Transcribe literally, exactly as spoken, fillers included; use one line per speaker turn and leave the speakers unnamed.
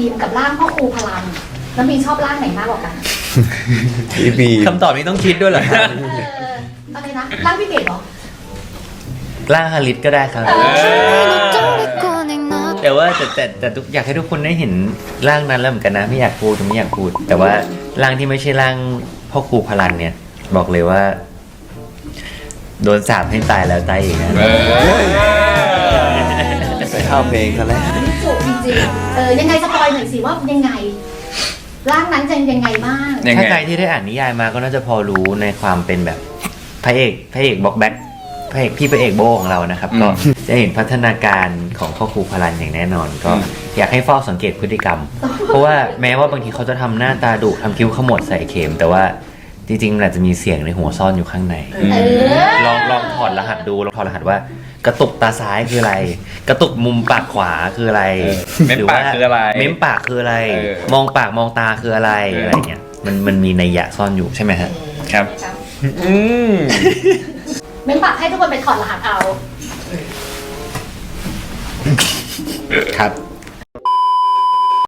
มกับร่างพ่อครูพลังแล้วมีชอบร่างไหนมากกว่ากัน
พี่บีม
คำตอบนี้ต้องคิดด้วยเหรอครับ
เอออะไรนะร่างพี่เกดเหรอ
ร่างฮาริสก็ได้ครับ แต่ว่าแต่แต่แต่ทุกอยากให้ทุกคนได้เห็นร่างนั้นแล้วเหมือนกันนะไม่อยากพูดไม่อยากพูด แต่ว่าร่างที่ไม่ใช่ร่างพ่อครูพลันเนี่ย บอกเลยว่า โดนสาปให้ตายแล้วตายอีกนะ
ไปเข้าเพลงซะแล้ว
จุจริงๆเออยังไงสปอยหน่อยสิว่ายังไงร่างนั้นจะยังไงบ้าง
ยังไง
ถ้าใครที่ได้อ่านนิยายมาก็น่าจะพอรู้ในความเป็นแบบพระเอกพระเอกบ็อกแบ็คพระเอกพี่พระเอกโบของเรานะครับ ก็จะเห็นพัฒนาการของพ่อครูพลันอย่างแน่นอน ก็อยากให้เฝ้าสังเกตพฤติกรรม เพราะว่าแม้ว่าบางทีเขาจะทำหน้าตาดุทำคิ้วขมวดใส่เข็มแต่ว่าจริงๆมันอาจจะมีเสียงในหัวซ่อนอยู่ข้างใน
เออ
ลองลองถอดรหัสดูลองถอดรหัสว่ากระตุกตาซ้ายคืออะไร กระตุกมุมปากขวาคืออะไร
เม้มปากคืออะไร
เม้มปากคืออะไร
เออ
มองปากมองตาคืออะไรอะไรเงี้ยมันมันมีนัยยะซ่อนอยู่ใช่ไหมฮะ
ครับ
ครับ
อืม
เม้นปากให้ทุกคนไปถอดรหัสเอา
ครับ